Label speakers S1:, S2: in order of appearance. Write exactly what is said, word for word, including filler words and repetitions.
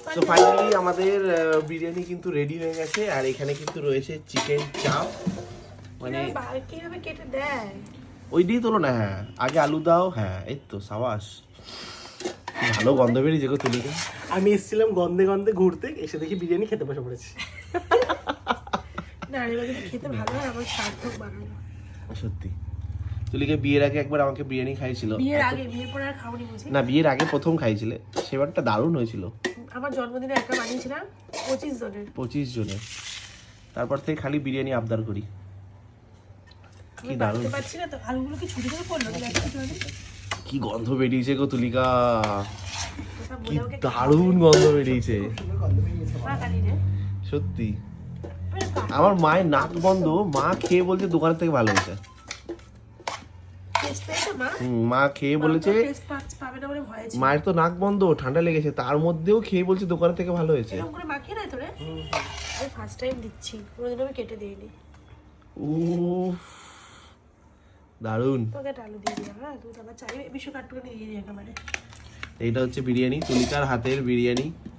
S1: So finally আমাদের বিরিয়ানি কিন্তু ready হয়ে গেছে আর এখানে কিন্তু রয়েছে চিকেন চাপ মানে
S2: কিভাবে কেটে দেয়
S1: ওই দিয়ে তোলো না। হ্যাঁ আগে আলু দাও। হ্যাঁ এই তো সাবাস, ভালো গন্ধ বেরিয়েছে গো তুলিকা।
S3: আমি এসেছিলাম গন্ধে গন্ধে ঘুরতে, এসে দেখি বিরিয়ানি খেতে বসে পড়েছি।
S2: না এবার কিন্তু খেতে ভালো হয়, আমার সার্থক বানানো।
S1: সত্যি তুলিকা বিয়ের আগে একবার আমাকে বিরিয়ানি খাইছিল।
S2: বিয়ের আগে, বিয়ের পরে আর খাওনি বুঝি?
S1: না বিয়ের আগে প্রথম খাইছিলে, সেবারটা দারুণ হয়েছিল।
S2: আমার জন্মদিনে একটা বানিয়েছিলাম পঁচিশ জনের।
S1: পঁচিশ জনের, তারপর থেকে খালি বিরিয়ানি আবদার করি।
S2: আমি বানাতে পারছি না তো, আলুগুলো কি ছুটি করে পড়লো?
S1: কি গন্ধ বেরিয়েছে গো তুলিকা, কি দারুণ গন্ধ বেরিয়েছে সত্যি। আমার মায়ের নাক বন্ধ, মা খেয়ে বলছে দোকানের থেকে ভালো হয়েছে। মা খেয়ে বলেছে, মায়ের তো নাক বন্ধ, ঠান্ডা লেগেছে, তার মধ্যেও খেয়ে বলছে দোকানের থেকে ভালো হয়েছে।
S2: ফার্স্ট টাইম দিচ্ছি, কোনোদিন আমি কেটে দিইনি।
S1: উফ দারুণ।
S2: তোকে আলু দিয়ে দিলাম, হ্যাঁ তুই আবার চাইবে বিশ কাটটুকু দিয়ে দিই একেবারে।
S1: এইটা হচ্ছে বিরিয়ানি, তুলিকার হাতের বিরিয়ানি।